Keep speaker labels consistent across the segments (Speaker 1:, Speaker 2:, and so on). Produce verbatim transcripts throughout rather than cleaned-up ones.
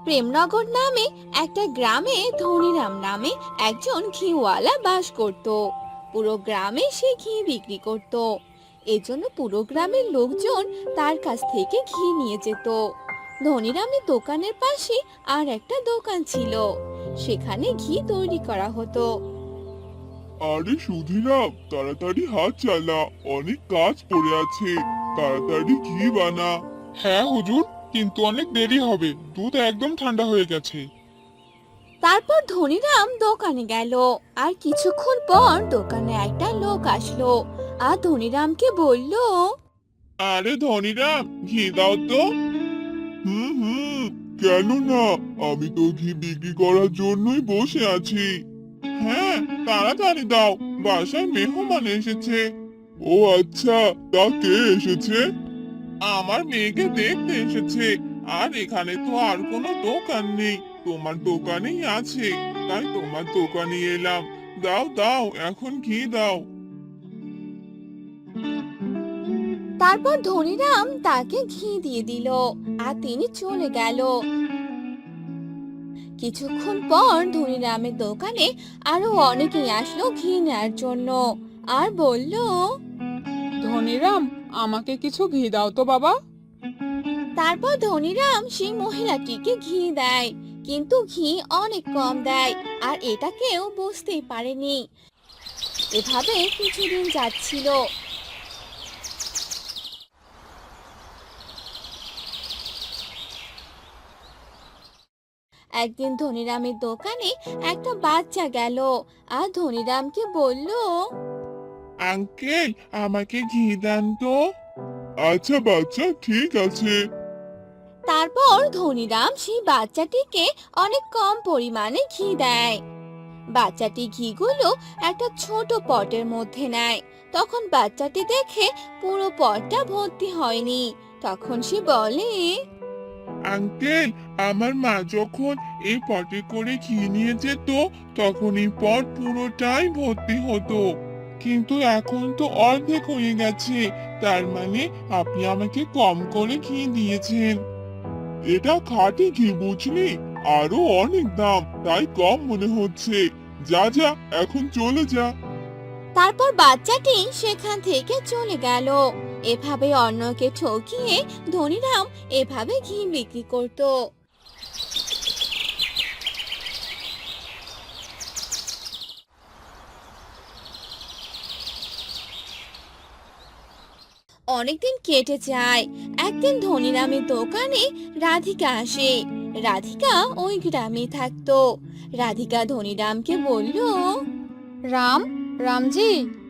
Speaker 1: প্রেমনগর নামে একটা গ্রামে ধনীরাম নামে একজন ঘিওয়ালা বাস করত। পুরো গ্রামে সে ঘি বিক্রি করত। এজন্য পুরো গ্রামের লোকজন তার কাছ থেকে ঘি নিয়ে যেত। ধনীরামের দোকানের পাশে আর একটা দোকান ছিল, সেখানে ঘি তৈরি করা হতো।
Speaker 2: আরে সুধীরাম, তাড়াতাড়ি হাত চালা, অনেক কাজ পড়ে আছে। তাড়াতাড়ি ঘি বানা।
Speaker 3: হ্যাঁ হুজুর, কিন্তু অনেক দেরি হবে, দুধ একদম ঠান্ডা হয়ে গেছে।
Speaker 1: তারপর ধনীরাম দোকানে গেল। আর কিছুক্ষণ পর দোকানে একটা লোক আসলো আর ধনীরামকে বলল,
Speaker 2: আরে ধনীরাম, ঘি দাও তো। হুম হুম, কেন না, আমি তো ঘি বিক্রি করার জন্যই বসে আছি। হ্যাঁ, তাড়াতাড়ি দাও, বাসায় মেহমান এসেছে। ও আচ্ছা, তা কে এসেছে? আমার মেয়েকে দেখতে এসেছে। আর এখানে তো আর কোনো দোকান নেই, তোমার দোকানেই আছে, তাই তোমার দোকানে এলাম। দাও দাও, এখন ঘি দাও।
Speaker 1: তারপর ধনীরাম তাকে ঘি দিয়ে দিল আর তিনি চলে গেল। কিছুক্ষণ পর ধনীরামের দোকানে আরো অনেকেই আসলো ঘি নেয়ার জন্য আর বলল,
Speaker 4: ধনীরাম, আমাকে কিছু ঘি দাও তো বাবা।
Speaker 1: তারপর ধনীরাম সেই মহিলাটিকে ঘি দেয়, কিন্তু ঘি অনেক কম দেয় আর এটা কেউ বুঝতেই পারেনি। এভাবে কিছুদিন যাচ্ছিল। একদিন ধনীরামের দোকানে একটা বাচ্চা গেল আর ধনীরামকে বলল,
Speaker 2: আঙ্কেল, আমাকে ঘি দেন তো। আচ্ছা বাচ্চা, ঠিক আছে।
Speaker 1: তারপর ধনীরাম সেই বাচ্চাটিকে অনেক কম পরিমাণে ঘি দেয়। বাচ্চাটি ঘিগুলো একটা ছোট পটের মধ্যে নেয়। তখন বাচ্চাটি দেখে পুরো পটটা ভর্তি হয়নি। তখন সে বলে,
Speaker 2: আঙ্কেল, আমার মা যখন এই পটে করে ঘি নিয়ে যেত, তখন এই পট পুরোটাই ভর্তি হতো, কিন্তু এখন তো অর্ধেক হয়ে গেছে। তার মানে আপনি আমাকে কম করে ঘি দিয়েছেন। এটা খাঁটি ঘি, বুঝলি? আরো অনেক দাম, তাই কম মনে হচ্ছে। যা যা, এখন চলে যা।
Speaker 1: তারপর বাচ্চাটি সেখান থেকে চলে গেল। এভাবে অন্যকে ঠকিয়ে ধনীরাম এভাবে ঘি বিক্রি করত। অনেকদিন কেটে যায়। একদিন ধনীরামের দোকানে রাধিকা আসে। রাধিকা ওই গ্রামে থাকতো। রাধিকা ধনীরামকে বলল,
Speaker 4: রাম, রামজি,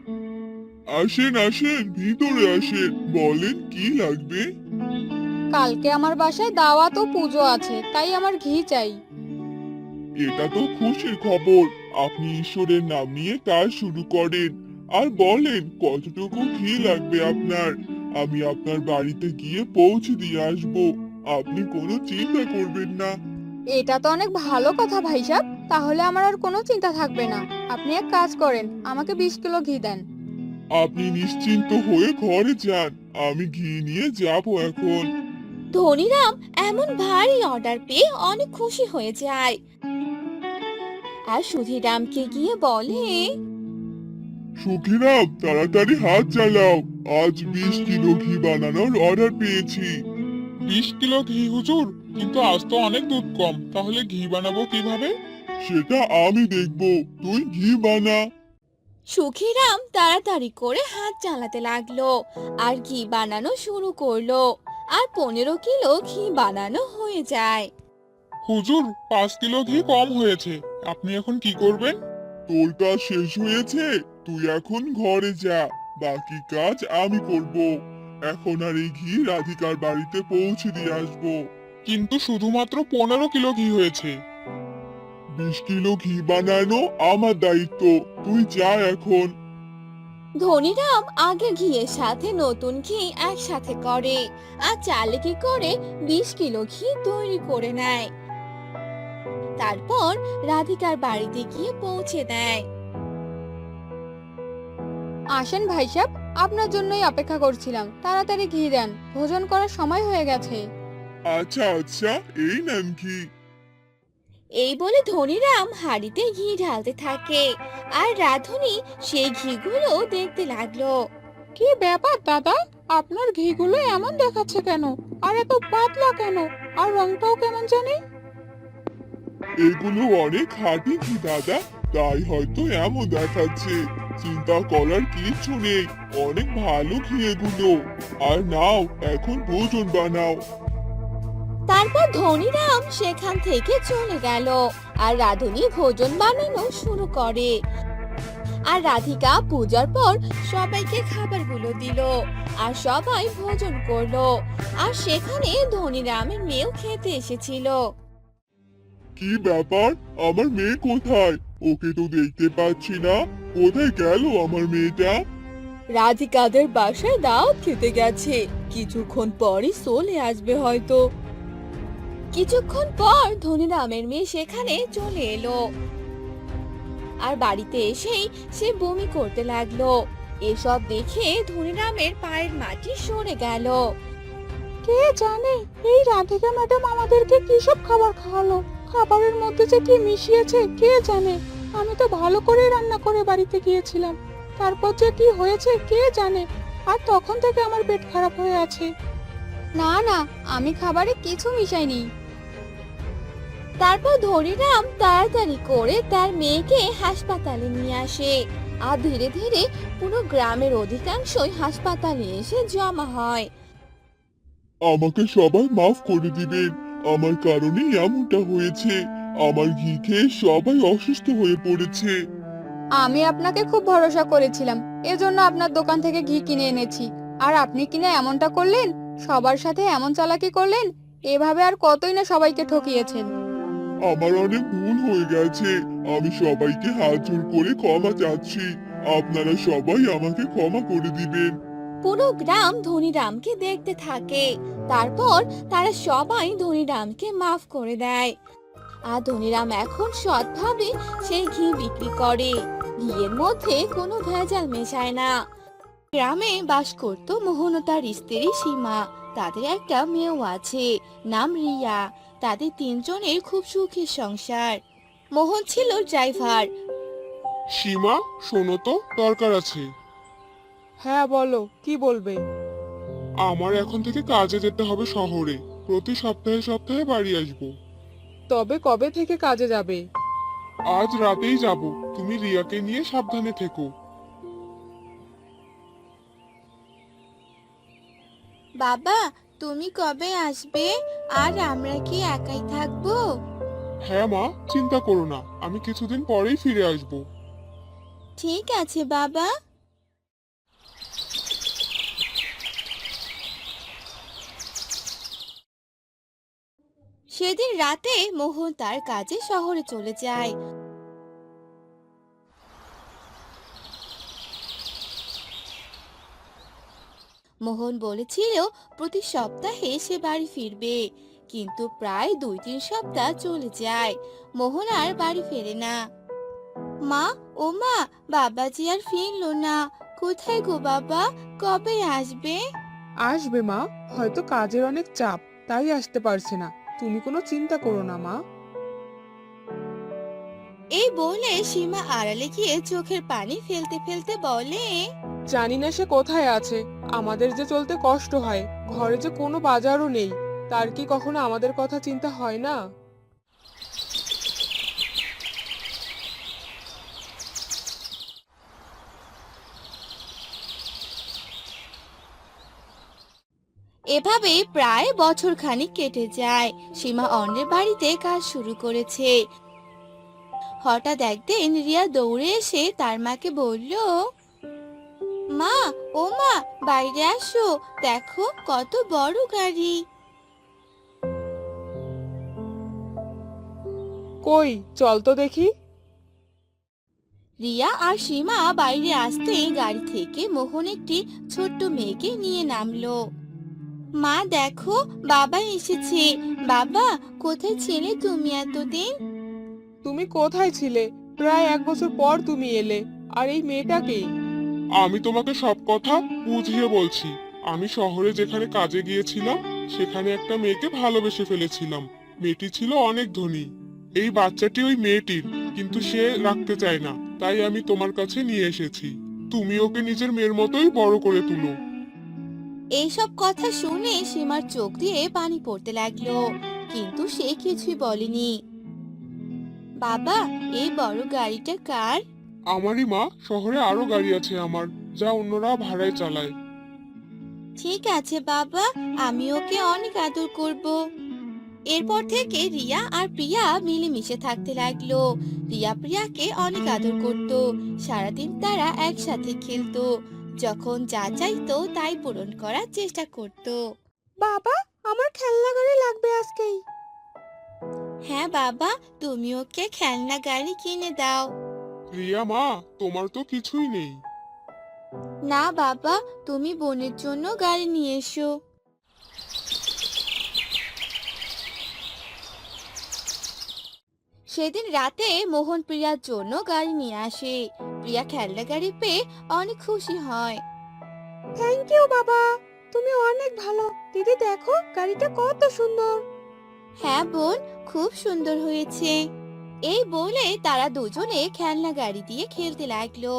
Speaker 2: আসেন আসেন, ভিতরে আসেন, বলেন কি লাগবে।
Speaker 4: কালকে আমার বাসায় দাওয়াত ও পুজো আছে, তাই আমার ঘি চাই।
Speaker 2: এটা তো খুশির খবর। আপনি ঈশ্বরের নাম নিয়ে কাজ শুরু করেন আর বলেন কতটুকু ঘি লাগবে আপনার। আমি আপনার বাড়িতে গিয়ে পৌঁছে দিয়ে আসব। আপনি কোনো চিন্তা করবেন না।
Speaker 4: এটা তো অনেক ভালো কথা ভাইসাব, তাহলে আমার আর কোনো চিন্তা থাকবে না। আপনি এক কাজ করেন, আমাকে বিশ কিলো ঘি দেন।
Speaker 2: আপনি নিশ্চিন্ত হয়ে ঘরে যান, আমি ঘি নিয়ে যাব এখন।
Speaker 1: ধনীরাম এমন ভারী অর্ডার পেয়ে অনেক খুশি হয়ে যায় আর সুধীরামকে গিয়ে বলে,
Speaker 2: সুখিরাম, তাড়াতাড়ি হাত চালাও, আজ বিশ কিলো ঘি বানানোর অর্ডার পেয়েছি।
Speaker 3: বিশ কিলো ঘি হুজুর, কিন্তু আজ তো অনেক দুধ কম, তাহলে ঘি বানাবো কিভাবে?
Speaker 2: সেটা আমি দেখব, তুই ঘি বানা।
Speaker 1: সুখীরাম তাড়াতাড়ি করে হাত চালাতে লাগলো আর ঘি বানানো শুরু করলো। আর পনেরো কিলো ঘি বানানো হয়ে যায়।
Speaker 3: হুজুর, পাঁচ কিলো ঘি কম হয়েছে, আপনি এখন কি করবেন?
Speaker 2: তোর কাজ শেষ হয়েছে, তুই এখন ঘরে যা, বাকি কাজ আমি করব। এখন আর এই ঘি রাধিকার বাড়িতে পৌঁছে দিয়ে আসবো।
Speaker 3: কিন্তু শুধুমাত্র পনেরো কিলো ঘি হয়েছে।
Speaker 2: বিশ কিলো ঘি বানানো আমার দায়িত্ব, তুই যা এখন।
Speaker 1: ধনীরাম আগে ঘিয়ের সাথে নতুন ঘি একসাথে করে আর চালেকি করে বিশ কিলো ঘি তৈরি করে নেয়। তারপর রাধিকার বাড়িতে গিয়ে পৌঁছে দেয়।
Speaker 4: আসেন ভাইসাব, আপনার জন্যই অপেক্ষা করছিলাম, তাড়াতাড়ি ঘি দেন, ভোজন করার সময় হয়ে গেছে।
Speaker 2: আচ্ছা আচ্ছা, এই নেন ঘি।
Speaker 1: এই বলে ধনীরাম হাঁড়িতে ঘি ঢালতে থাকে আর রাধুনি সেই ঘিগুলো দেখতে লাগলো।
Speaker 4: কি ব্যাপার দাদা, আপনার ঘিগুলো এমন দেখাচ্ছে কেন? আর এত পাতলা কেন? আর রংটাও কেমন জানি।
Speaker 2: এগুলো অনেক খাঁটি ঘি দাদা, তাই হয়তো এমন দেখাচ্ছে। চিন্তা করার কিচ্ছু নেই, অনেক ভালো ঘি এগুলো। আর নাও, এখন ভোজন বানাও।
Speaker 1: তারপর ধনীরাম সেখান থেকে চলে গেল আর রাধুনি ভোজন বানানো শুরু করে। আর রাধিকা পূজার পর সবাইকে খাবারগুলো দিল আর সবাই ভোজন করলো। আর সেখানে ধনীরামের মেয়েও খেতে এসেছিল।
Speaker 2: কি ব্যাপার, আমার মেয়ে কোথায়? ওকে তো দেখতে পাচ্ছি না। কোথায় গেল আমার মেয়েটা?
Speaker 1: রাধিকাদের বাসায় দাওয়াত খেতে গেছে, কিছুক্ষণ পরই চলে আসবে হয়তো। কিছুক্ষণ পর ধনীরামের মেয়ে সেখানে চলে এলো আর বাড়িতে এসেই সে বমি করতে লাগলো। এসব দেখে ধনীরামের পায়ের মাটি সরে গেল।
Speaker 4: কে জানে এই রাধিকা ম্যাডাম আমাদেরকে কি সব খাবার খাওয়ালো। খাবারের মধ্যে যে কি মিশিয়েছে কে জানে। আমি তো ভালো করে রান্না করে বাড়িতে গিয়েছিলাম, তারপর যে কি হয়েছে কে জানে। আর তখন থেকে আমার পেট খারাপ হয়ে আছে। না না, আমি খাবারে কিছু মিশাইনি।
Speaker 1: তারপর ধনীরাম তাড়াতাড়ি করে তার মেয়েকে হাসপাতালে নিয়ে আসে আর ধীরে ধীরে পুরো গ্রামের অধিকাংশই হাসপাতালে এসে জমা হয়।
Speaker 2: আমাকে সবাই মাফ করে দিবেন, আমার কারণেই এমনটা হয়েছে। আমার ঘি খেয়ে সবাই অসুস্থ হয়ে পড়েছে।
Speaker 4: আমি আপনাকে খুব ভরসা করেছিলাম, এজন্য আপনার দোকান থেকে ঘি কিনে এনেছি। আর আপনি কিনা এমনটা করলেন, সবার সাথে এমন চালাকি করলেন। এভাবে আর কতই না সবাইকে ঠকিয়েছেন।
Speaker 2: আমার অনেক ভুল হয়ে গেছে, আমি সবাইকে হাত জোড় করে ক্ষমা চাচ্ছি। আপনারা সবাই আমাকে ক্ষমা করে দিবেন।
Speaker 1: পুরো গ্রাম ধনীরামকে দেখতে থাকে। তারপর তারা সবাই ধনীরামকে মাফ করে দেয় আর ধনীরাম এখন সৎভাবে সেই ঘি বিক্রি করে। ঘিয়ের মধ্যে কোনো ভেজাল মেশায় না। গ্রামে বাস করত মোহন ও তার স্ত্রী সীমা। তাদের একটা মেয়েও আছে, নাম রিয়া। তাদের তিনজনের খুব সুখের সংসার। মোহন ছিল ড্রাইভার।
Speaker 3: সীমা, শোনো তো, দরকার আছে।
Speaker 4: হ্যাঁ বলো, কি বলবে?
Speaker 3: আমার এখন থেকে কাজে যেতে হবে শহরে। প্রতি সপ্তাহে সপ্তাহে বাড়ি আসবো।
Speaker 4: তবে কবে থেকে কাজে যাবে?
Speaker 3: আজ রাতেই যাব। তুমি রিয়াকে নিয়ে সাবধানে থেকো।
Speaker 1: বাবা, তুমি কবে আসবে? আর আমরা কি একাই থাকবো?
Speaker 3: হ্যাঁ মা, চিন্তা করো না, আমি কিছুদিন পরেই ফিরে আসবো।
Speaker 1: ঠিক আছে বাবা। সেদিন রাতে মোহন তার কাজে শহরে চলে যায়। মোহন বলেছিল প্রতি সপ্তাহে সে বাড়ি ফিরবে, কিন্তু প্রায় দুই তিন সপ্তাহ চলে যায়, মোহন আর বাড়ি ফেরে না। মা, ও মা, বাবাজি আর ফিরলো না। কোথায় গো বাবা, কবে আসবে?
Speaker 5: আসবে মা, হয়তো কাজের অনেক চাপ, তাই আসতে পারছে না। তুমি কোনো চিন্তা করো না মা।
Speaker 1: এই বলে সীমা আড়ালে গিয়ে চোখের পানি ফেলতে ফেলতে বলে,
Speaker 5: জানি না সে কোথায় আছে। আমাদের যে চলতে কষ্ট হয়, ঘরে যে কোনো বাজারও নেই, তার কি কখনো আমাদের কথা চিন্তা হয় না?
Speaker 1: এভাবে প্রায় বছর খানিক কেটে যায়। সীমা অন্যের বাড়িতে কাজ শুরু করেছে। হঠাৎ একদিন রিয়া দৌড়ে এসে তার মাকে বলল, মা, ও মা, বাইরে আসো, দেখো কত বড় গাড়ি।
Speaker 5: কই, চল তো দেখি।
Speaker 1: রিয়া আর সীমা বাইরে আসতেই গাড়ি থেকে মোহন একটি ছোট্ট মেয়েকে নিয়ে নামলো। মা দেখো, বাবা এসেছে। বাবা, কোথায় ছিলে তুমি এতদিন?
Speaker 5: তুমি কোথায় ছিলে? প্রায় এক বছর পর তুমি এলে। আর এই মেয়েটাকে?
Speaker 3: আমি তোমাকে সব কথা বুঝিয়ে বলছি। আমি শহরে যেখানে কাজে গিয়েছিলাম, সেখানে একটা মেয়েকে ভালোবেসে ফেলেছিলাম। মেয়েটি ছিল অনেক ধনী। এই বাচ্চাটি ওই মেয়েটির, কিন্তু সে রাখতে চায় না, তাই আমি তোমার কাছে নিয়ে এসেছি। তুমি ওকে নিজের মেয়ের মতোই বড় করে তুলো।
Speaker 1: এইসব কথা শুনে সীমার চোখ দিয়ে পানি পড়তে লাগলো, কিন্তু সে কিছুই বলেনি। বাবা, এই বড় গাড়িটা কার?
Speaker 3: আমারই মা, শহরে আরো গাড়ি আছে আমার, যা অন্যরা ভাড়ায় চালায়।
Speaker 1: ঠিক আছে বাবা, আমি ওকে অনেক আদর করব। এরপর থেকে রিয়া আর প্রিয়া মিলেমিশে থাকতে লাগলো। রিয়া প্রিয়াকে অনেক আদর করত, সারাদিন তারা একসাথে খেলতো, যখন যা চাইতো তাই পূরণ করার চেষ্টা করত।
Speaker 4: বাবা, আমার খেলনা গাড়ি লাগবে আজকেই।
Speaker 1: হ্যাঁ বাবা, তুমি ওকে খেলনা গাড়ি কিনে দাও।
Speaker 3: রিয়া মা, তোমার তো কিছুই নেই।
Speaker 1: না বাবা, তুমি বোনের জন্য গাড়ি নিয়ে এসো। সেদিন রাতে মোহন প্রিয়ার জন্য গাড়ি নিয়ে আসে। প্রিয়া খেলনা গাড়ি পেয়ে অনেক খুশি হয়।
Speaker 4: থ্যাংক ইউ বাবা, তুমি অনেক ভালো। দিদি দেখো গাড়িটা কত সুন্দর।
Speaker 1: হ্যাঁ বোন, খুব সুন্দর হয়েছে। এই বলে তারা দুজনে খেলনা গাড়ি দিয়ে খেলতে লাগলো।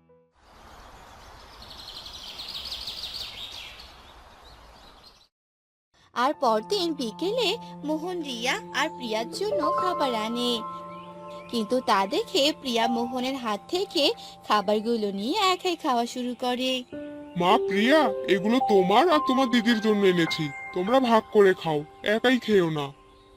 Speaker 1: আর পরদিন বিকেলে মোহন রিয়া আর প্রিয়ার জন্য খাবার আনে, কিন্তু তা দেখে প্রিয়া মোহনের হাত থেকে খাবারগুলো নিয়ে একাই খাওয়া শুরু করে।
Speaker 3: মা প্রিয়া, এগুলো তোমার আর তোমার দিদির জন্য এনেছি, তোমরা ভাগ করে খাও, একাই খেও না।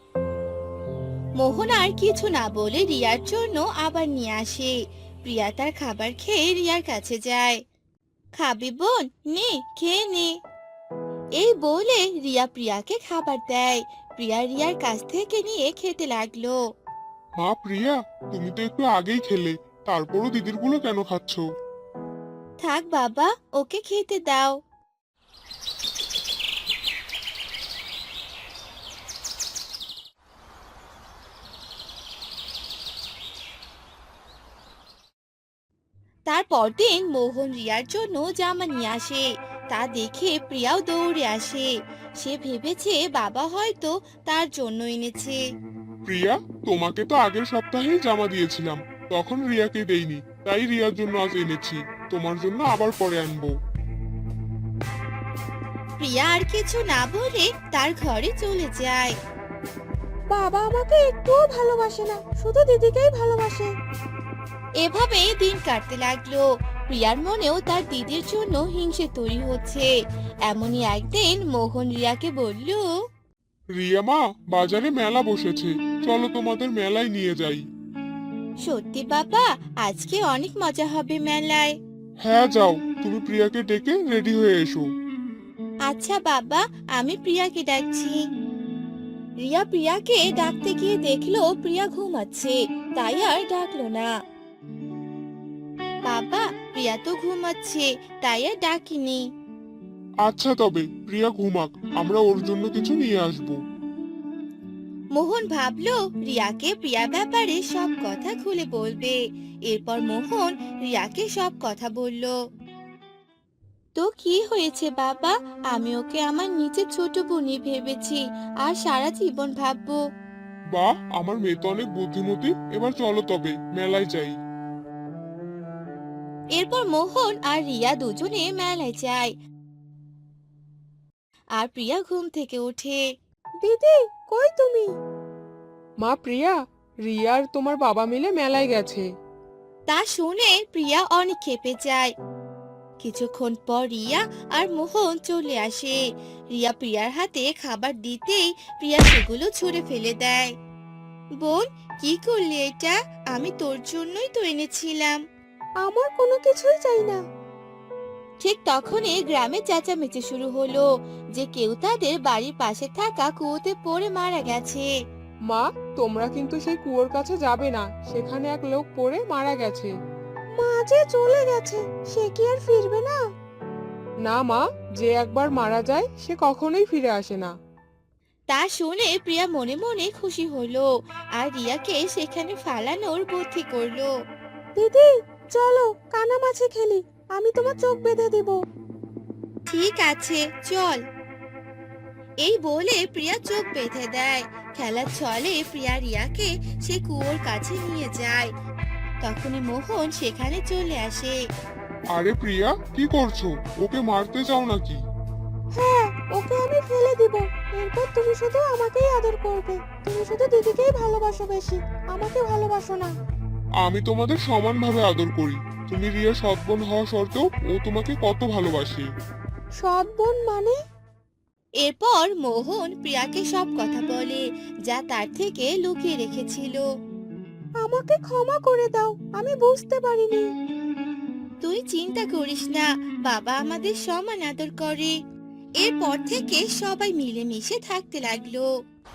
Speaker 1: মোহন আর কিছু না বলে রিয়ার জন্য আবার নিয়ে আসে। প্রিয়া তার খাবার খেয়ে রিয়ার কাছে যায়। খাবি বোন, নে খেয়ে নে। এই বলে রিয়া প্রিয়াকে খাবার দেয়। প্রিয়া রিয়ার কাছ থেকে নিয়ে খেতে লাগলো।
Speaker 3: মা প্রিয়া, তুমি তো একটু আগেই খেলে, তারপরও দিদির গুলো কেন খাচ্ছ?
Speaker 1: থাক বাবা, ওকে খেতে দাও। তারপর দিন মোহন রিয়ার জন্য জামা নিয়ে আসে। তা দেখে প্রিয়াও দৌড়ে আসে। সে ভেবেছে বাবা হয়তো তার জন্য এনেছে।
Speaker 3: প্রিয়া, তোমাকে তো আগের সপ্তাহেই জামা দিয়েছিলাম, তখন রিয়াকে দেইনি, তাই রিয়ার জন্য আজ এনেছি, তোমার জন্য আবার পরে আনবো।
Speaker 1: প্রিয়া আর কিছু না বলে তার ঘরে চলে যায়।
Speaker 4: বাবা আমাকে একটুও ভালোবাসে না, শুধু দিদিকেই ভালোবাসে।
Speaker 1: এভাবে দিন কাটতে লাগলো। প্রিয়ার মনেও তার দিদির জন্য হিংসে তৈরি হচ্ছে। এমনই একদিন মোহন রিয়াকে বলল,
Speaker 3: রিয়া মা, বাজারে মেলা বসেছে, চলো তোমাদের মেলায় নিয়ে যাই।
Speaker 1: সত্যি বাবা, আজকে অনেক মজা হবে মেলায়।
Speaker 3: হ্যাঁ যাও, তুমি প্রিয়াকে ডেকে রেডি হয়ে এসো।
Speaker 1: আচ্ছা বাবা, আমি প্রিয়াকে ডাকছি। রিয়া প্রিয়াকে ডাকতে গিয়ে দেখলো প্রিয়া ঘুমাচ্ছে, তাই আর ডাকলো না। বাবা, প্রিয়া তো ঘুমাচ্ছে, তাই আর ডাকিনি।
Speaker 3: আচ্ছা তবে প্রিয়া ঘুমাক, আমরা ওর জন্য কিছু নিয়ে আসবো।
Speaker 1: মোহন ভাবলো রিয়াকে প্রিয়া ব্যাপারে সব কথা খুলে বলবে। এরপর মোহন রিয়াকে সব কথা বলল। তো কি হয়েছে বাবা, আমি ওকে আমার নিচে ছোট বোনই ভেবেছি, আর সারা জীবন ভাববো।
Speaker 3: বাহ, আমার মেয়ে তো অনেক বুদ্ধিমতী, এবার চলো তবে মেলায় যাই।
Speaker 1: এরপর মোহন আর রিয়া দুজনে মেলায় যায়। আর প্রিয়া ঘুম থেকে ওঠে।
Speaker 4: দিদি কই তুমি?
Speaker 5: মা প্রিয়া, রিয়া আর তোমার বাবা মিলে মেলায় গেছে।
Speaker 1: তা শুনে প্রিয়া অনেক ক্ষেপে যায়। কিছুক্ষণ পর রিয়া আর মোহন চলে আসে। রিয়া প্রিয়ার হাতে খাবার দিতেই প্রিয়া সেগুলো ছুঁড়ে ফেলে দেয়। বোন, কি করলি এটা? আমি তোর জন্যই তো এনেছিলাম।
Speaker 4: আমার কোনো কিছুই চাই না।
Speaker 1: ঠিক তখনই গ্রামে চেঁচামেচি শুরু হলো যে কেউ তাদের বাড়ির পাশে থাকা কুয়োতে পড়ে মারা গেছে।
Speaker 5: মা, তোমরা কিন্তু সেই কুয়োর কাছে যাবে না, সেখানে এক লোক পড়ে মারা গেছে।
Speaker 4: মা যে চলে গেছে, সে কি আর ফিরবে না?
Speaker 5: না মা, যে একবার মারা যায় সে কখনোই ফিরে আসে না।
Speaker 1: তা শুনে প্রিয়া মনে মনে খুশি হলো আর রিয়াকে সেখানে ফালানোর বুদ্ধি করলো।
Speaker 4: দিদি চলো কানামাছি খেলি, আমি তোমার চোখ বেঁধে দিব।
Speaker 1: ঠিক আছে, চল। এই বলে প্রিয়া চোখ বেঁধে দেয়। খেলার ছলে প্রিয়া রিয়াকে সে কুয়োর কাছে নিয়ে যায়। তখনই মোহন সেখানে চলে আসে।
Speaker 3: আরে প্রিয়া, কি করছো? ওকে মারতে চাও নাকি?
Speaker 4: হ্যাঁ, ওকে আমি ফেলে দিব। এরপর তুমি শুধু আমাকেই আদর করবে। তুমি শুধু দিদিকেই ভালোবাসো বেশি, আমাকে ভালোবাসো না।
Speaker 3: আমি তোমাদের সমানভাবে আদর করি। তুমি রিয়া সৎ বোন হওয়া সত্ত্বেও ও তোমাকে কত ভালোবাসে।
Speaker 4: সৎ বোন মানে?
Speaker 1: এরপর মোহন প্রিয়াকে সব কথা বলে যা তার থেকে লুকিয়ে রেখেছিল।
Speaker 4: আমাকে ক্ষমা করে দাও, আমি বুঝতে পারিনি।
Speaker 1: তুই চিন্তা করিস না, বাবা আমাদের সমান আদর করে। এরপর থেকে সবাই মিলেমিশে থাকতে লাগলো।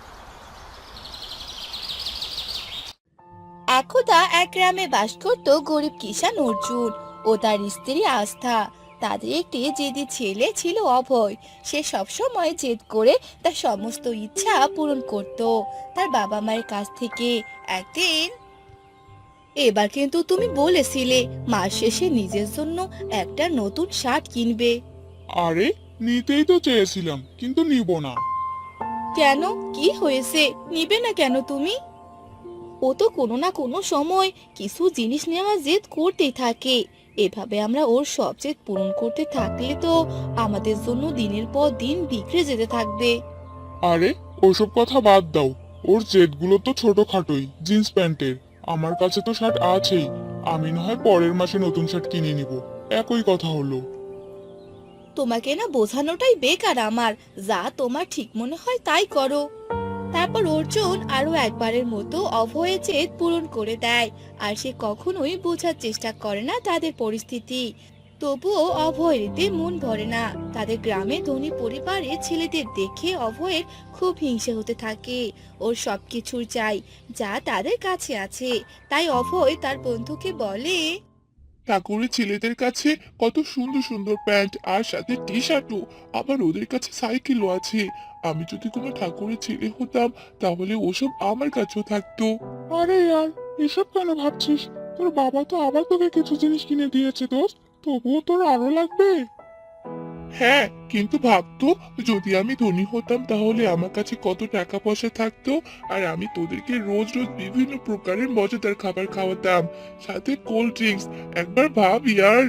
Speaker 1: একদা এক গ্রামে বাস করত গরিব কিষান অর্জুন ও তার স্ত্রী আস্থা। তাদের একটি জেদি ছেলে ছিল অভয়। সে সবসময় জেদ করে তার সমস্ত ইচ্ছা পূরণ করত তার বাবা মায়ের কাছ থেকে। একদিন, এবার কিন্তু তুমি বলেছিলে মাস শেষে নিজের জন্য একটা নতুন শার্ট কিনবে।
Speaker 3: আরে, নিতেই তো চেয়েছিলাম, কিন্তু নিব না।
Speaker 1: কেন, কি হয়েছে? নিবে না কেন তুমি? ও তো কোনো না কোনো সময় কিছু জিনিস নেওয়ার জেদ করতেই থাকে। এভাবে আমরা ওর সব জেদ পূরণ করতে থাকলে তো আমাদের জন্য দিনের পর দিন বিগড়ে যেতে থাকবে।
Speaker 3: আরে, ওসব কথা বাদ দাও। ওর জেদগুলো তো ছোটখাটোই, জিন্স প্যান্টের। আমার কাছে তো শার্ট আছেই। আমি না হয় পরের মাসে নতুন শার্ট কিনে নিব। একই কথা হলো।
Speaker 1: তোমাকে না বোঝানোটাই বেকার আমার। যা তোমার ঠিক মনে হয় তাই করো। তারপর অর্জুন আরো একবারের মতো অভয়ের জেদ পূরণ করে দেয়। আর সে কখনোই বোঝার চেষ্টা করে না তাদের পরিস্থিতি। তবুও অভয়ের এতে মন ভরে না। তাদের গ্রামে ধনী পরিবারের ছেলেদের দেখে অভয়ের খুব হিংসে হতে থাকে। ওর সবকিছুর চাই যা তাদের কাছে আছে। তাই অভয় তার বন্ধুকে বলে,
Speaker 2: ঠাকুরের ছেলেদের কাছে কত সুন্দর সুন্দর প্যান্ট আর সাথে টি শার্টও, আবার ওদের কাছে সাইকেলও আছে। আমি যদি কোনো ঠাকুরের ছেলে হতাম তাহলে ওসব আমার কাছেও থাকতো।
Speaker 3: আরে ইয়ার, এসব কেন ভাবছিস? তোর বাবা তো আবার তোকে কিছু জিনিস কিনে দিয়েছে দোস্ত, তবুও তোর আরো লাগবে।
Speaker 2: হ্যাঁ, কিন্তু ভাবতো যদি আমি ধনী হতাম তাহলে আমার কাছে কত টাকা পয়সা থাকতো, আর আমি তোদেরকে রোজ রোজ বিভিন্ন প্রকারের মজাদার খাবার খাওয়াতাম, সাথে কোল্ড ড্রিঙ্কস। একবার ভাব ইয়ার।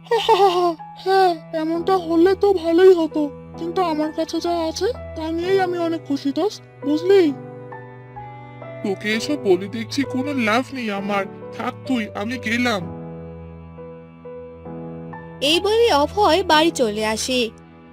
Speaker 3: হ্যাঁ, এমনটা হলে তো ভালোই হতো, কিন্তু আমার কাছে যা আছে তা নিয়েই আমি অনেক খুশি দোস্ত, বুঝলি?
Speaker 2: তোকে এসব বলে দেখছি কোনো লাভ নেই আমার। থাক তুই, আমি গেলাম।
Speaker 1: এই বলে অভয় বাড়ি চলে আসে।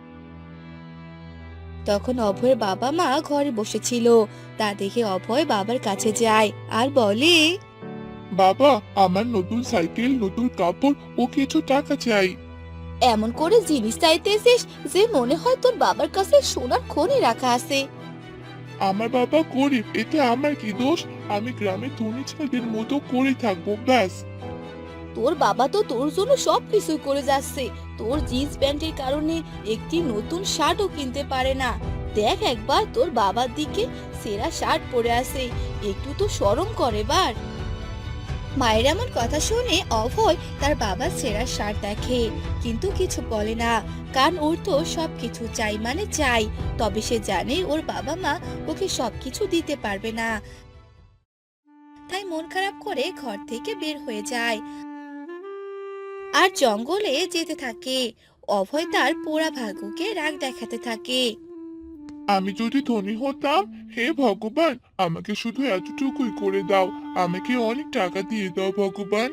Speaker 1: তখন অভয়ের বাবা মা ঘরে বসেছিল। তা দেখে অভয় বাবার কাছে যায় আর বলে,
Speaker 2: বাবা, আমার নতুন সাইকেল, নতুন কাপড় ও কিছু টাকা চাই।
Speaker 1: এমন করে জিনিস চাইতেছিস যে মনে হয় তোর বাবার কাছে সোনার খনি রাখা আছে।
Speaker 2: আমার বাবা গরিব, এতে আমার কি দোষ? আমি গ্রামের ধনী ছেলেদের মতো করে থাকবো, ব্যাস।
Speaker 1: তোর বাবা তো তোর জন্য সবকিছু করে যাচ্ছে। তোর জিন্স প্যান্টের কারণে একটি নতুন শার্টও কিনতে পারে না। দেখ একবার তোর বাবার দিকে, সেরা শার্ট পরে আছে। একটু তো শরম করে বার। মায়ের এমন কথা শুনে অভয় তার বাবার সেরা শার্ট দেখে, কিন্তু কিছু বলে না। কারণ ওর তো সবকিছু চাই মানে চাই। তবে সে জানে ওর বাবা মা ওকে সবকিছু দিতে পারবে না। তাই মন খারাপ করে ঘর থেকে বের হয়ে যায় আর জঙ্গলে যেতে থাকে। অভয় তার পোড়া ভাগ্যকে রাগ দেখাতে থাকে।
Speaker 2: আমি যদি ধনী হতাম, হে ভগবান, আমাকে শুধু এতটুকুই করে দাও। আমাকে অনেক টাকা দিয়ে দাও ভগবান।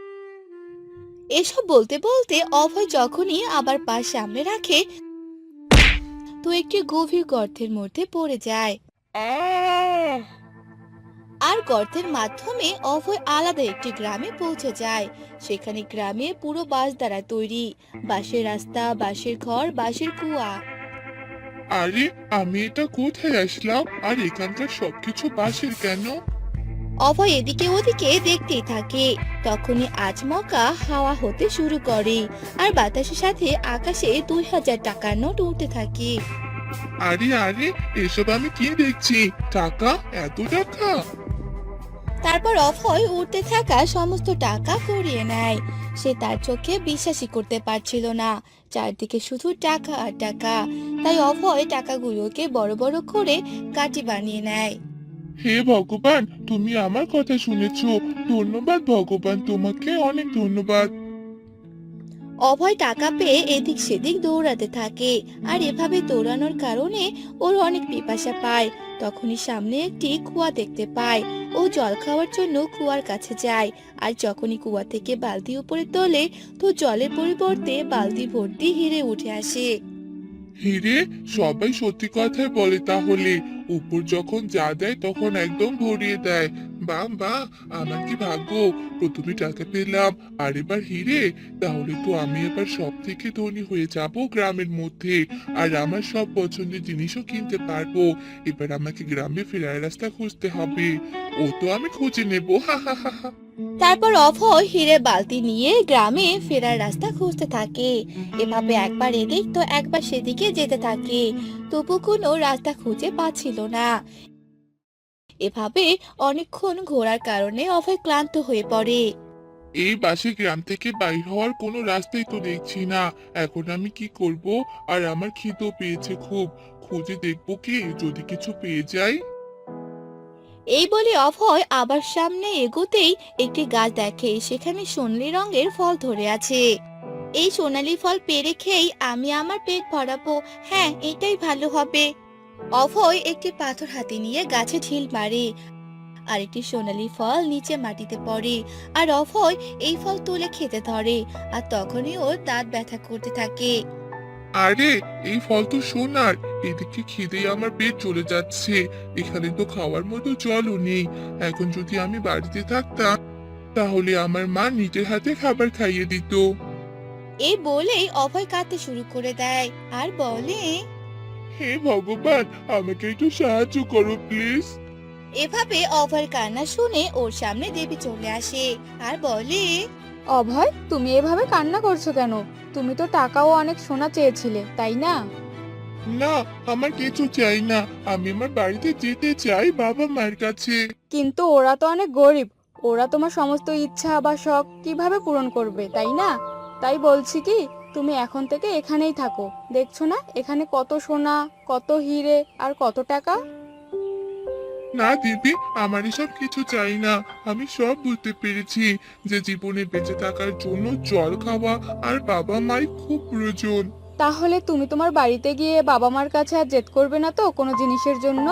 Speaker 1: এসব বলতে বলতে অভয় যখনই আবার পা সামনে রাখে তো একটি গভীর গর্তের মধ্যে পড়ে যায়।
Speaker 2: আহ!
Speaker 1: আর গর্তের মাধ্যমে অভয় আলাদা একটি গ্রামে পৌঁছে যায়। সেখানে গ্রামে পুরো বাঁশ দ্বারা তৈরি, বাঁশের রাস্তা, বাঁশের ঘর, বাঁশের কুয়া।
Speaker 2: আরে, আমি এটা কোথায় আসলাম? আর এখানকার সবকিছু বাঁশের কেন?
Speaker 1: অভয় এদিকে ওদিকে দেখতেই থাকে। তখনই আচমকা হাওয়া হতে শুরু করে আর বাতাসের সাথে আকাশে দুই হাজার টাকার নোট উঠতে থাকে।
Speaker 2: আরে আরে, এসব আমি কি দেখছি? টাকা, এত টাকা!
Speaker 1: তারপর অভয় উঠতে থাকা সমস্ত টাকা কুড়িয়ে নেয়। সে তার চোখে বিশ্বাসই করতে পারছিল না, চারদিকে শুধু টাকা আর টাকা। তাই অভয় টাকাগুলোকে বড় বড় করে কাঠি বানিয়ে নেয়।
Speaker 2: হে ভগবান, তুমি আমার কথা শুনেছো। ধন্যবাদ ভগবান, তোমাকে অনেক ধন্যবাদ।
Speaker 1: অভয় টাকা পেয়ে এদিক সেদিক দৌড়াতে থাকে, আর এভাবে দৌড়ানোর কারণে ওর অনেক পিপাসা পায়। তখনই সামনে একটি কুয়া দেখতে পায়। ও জল খাওয়ার জন্য কুয়ার কাছে যায়, আর যখনই কুয়া থেকে বালতি উপরে তোলে তো জলের পরিবর্তে বালতি ভর্তি হিরে উঠে আসে।
Speaker 2: হিরে? সবাই সত্যি কথাই বলে তাহলে। উপর যখন যা দেয় তখন একদম ভরিয়ে দেয়। বাহ বাহ, আমার কি ভাগ্য! প্রথমে টাকা পেলাম, আর এবার হিরে। তাহলে তো আমি এবার সব থেকে ধনী হয়ে যাব গ্রামের মধ্যে, আর আমার সব পছন্দের জিনিসও কিনতে পারবো। এবার আমাকে গ্রামে ফেরার রাস্তা খুঁজতে হবে। ও তো আমি খুঁজে নেবো, হা হা হা হা।
Speaker 1: তারপর অভয় হিরে বালতি নিয়ে গ্রামে ফেরার রাস্তা খুঁজতে থাকে। এভাবে একবার এদিক তো একবার সেদিকে যেতে থাকে, তবু কোনো রাস্তা খুঁজে পাচ্ছিল না। এভাবে অনেকক্ষণ ঘোরার কারণে অভয় ক্লান্ত হয়ে পড়ে।
Speaker 2: এই বাসে গ্রাম থেকে বাইর হওয়ার কোনো রাস্তাই তো দেখছি না। এখন আমি কি করব? আর আমার খিদেও পেয়েছে খুব। খুঁজে দেখবো কি, যদি কিছু পেয়ে যাই।
Speaker 1: এই বলে অভয় আবার সামনে এগোতেই একটি গাছ দেখে, সেখানে সোনালী রঙের ফল ধরে আছে। এই সোনালী ফল পেড়ে খেয়েই আমি আমার পেট ভরাবো। হ্যাঁ, এটাই ভালো হবে। অভয় একটি পাথর হাতে নিয়ে গাছে ঢিল মারে, আর একটি সোনালী ফল নিচে মাটিতে পড়ে। আর অভয় এই ফল তুলে খেতে ধরে, আর তখনই ওর দাঁত ব্যথা করতে থাকে।
Speaker 2: আরে, এই ফল তো সোনার। এদিকে খিদে আমার পেট চলে যাচ্ছে। এখানে তো খাওয়ার মতো জলও নেই। এখন যদি আমি বাড়িতে থাকতাম, তাহলে আমার মা নিজের হাতে খাবার খাইয়ে দিত।
Speaker 1: এই বলেই অভয় কাঁদতে শুরু করে দেয়, আর বলে,
Speaker 2: হে ভগবান, আমাকে একটু সাহায্য করো প্লিজ।
Speaker 1: এভাবে অভয়ের কান্না শুনে ওর সামনে দেবী চলে আসে, আর বলে,
Speaker 4: অভয়, তুমি এভাবে কান্না করছো কেন? তুমি তো টাকাও অনেক সোনা চেয়েছিলে, তাই না?
Speaker 2: না, আমার কিছু চাই না। আমি আমার বাড়িতে যেতে চাই, বাবা মায়ের কাছে।
Speaker 4: কিন্তু ওরা তো অনেক গরিব। ওরা তোমার সমস্ত ইচ্ছা বা শখ কিভাবে পূরণ করবে, তাই না? তাই বলছি কি, তুমি এখন থেকে এখানেই থাকো। দেখছো না এখানে কত সোনা, কত হিরে আর কত টাকা।
Speaker 2: না দিদি, আমার এসব কিছু চাই না। আমি সব বুঝতে পেরেছি যে জীবনে বেঁচে থাকার জন্য জল খাওয়া আর বাবা মায়ের খুব প্রয়োজন।
Speaker 4: তাহলে তুমি তোমার বাড়িতে গিয়ে বাবা মার কাছে আর জেদ করবে না তো কোনো জিনিসের জন্য?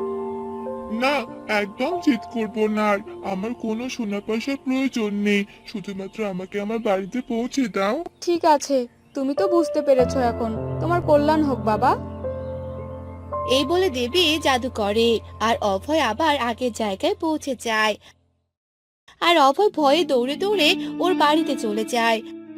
Speaker 2: না, একদম জিদ করব না আর। আমার কোনো সোনা পয়সার প্রয়োজন নেই। শুধুমাত্র আমাকে আমার বাড়িতে পৌঁছে দাও।
Speaker 4: ঠিক আছে, তুমি তো বুঝতে পেরেছো এখন। তোমার কল্যাণ হোক বাবা।
Speaker 1: এই বলে দেবী জাদু করে, আর অভয় আবার আগের জায়গায় পৌঁছে যায়। আর অভয় ভয়ে দৌড়ে দৌড়ে ওর বাড়িতে চলে যায়,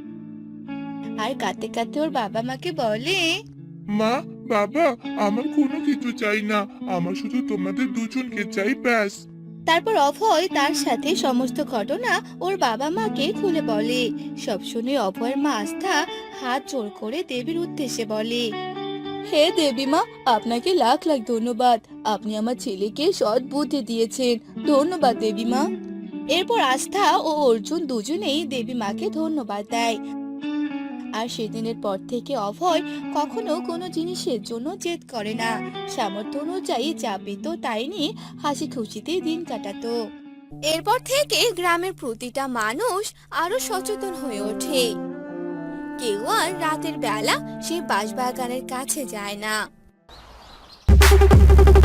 Speaker 1: আর কাঁদতে কাঁদতে ওর বাবা মাকে বলে,
Speaker 2: মা, বাবা, আমার কোনো কিছু চাই না। আমার শুধু তোমাদের দুজনকে চাই, ব্যাস।
Speaker 1: তারপর অভয় তার সাথে সমস্ত ঘটনা ওর বাবা মাকে খুলে বলে। সব শুনে অভয়ের মা আস্থা হাত জোড় করে দেবীর উদ্দেশ্যে বলে, হে দেবী মা, আপনাকে লাখ লাখ ধন্যবাদ। আপনি আমার ছেলেকে সৎ বুদ্ধি দিয়েছেন। ধন্যবাদ দেবী মা। এরপর আস্থা ও অর্জুন দুজনেই দেবী মাকে ধন্যবাদ দেয়। আর সেদিনের পর থেকে অভয় কখনো কোনো জিনিসের জন্য জেদ করে না। সামর্থ্য অনুযায়ী যা পেত তাই নিয়ে হাসি খুশিতে দিন কাটাতো। এরপর থেকে গ্রামের প্রতিটা মানুষ আরো সচেতন হয়ে ওঠে। কেউ আর রাতের বেলা সেই বাঁশবাগানের কাছে যায় না।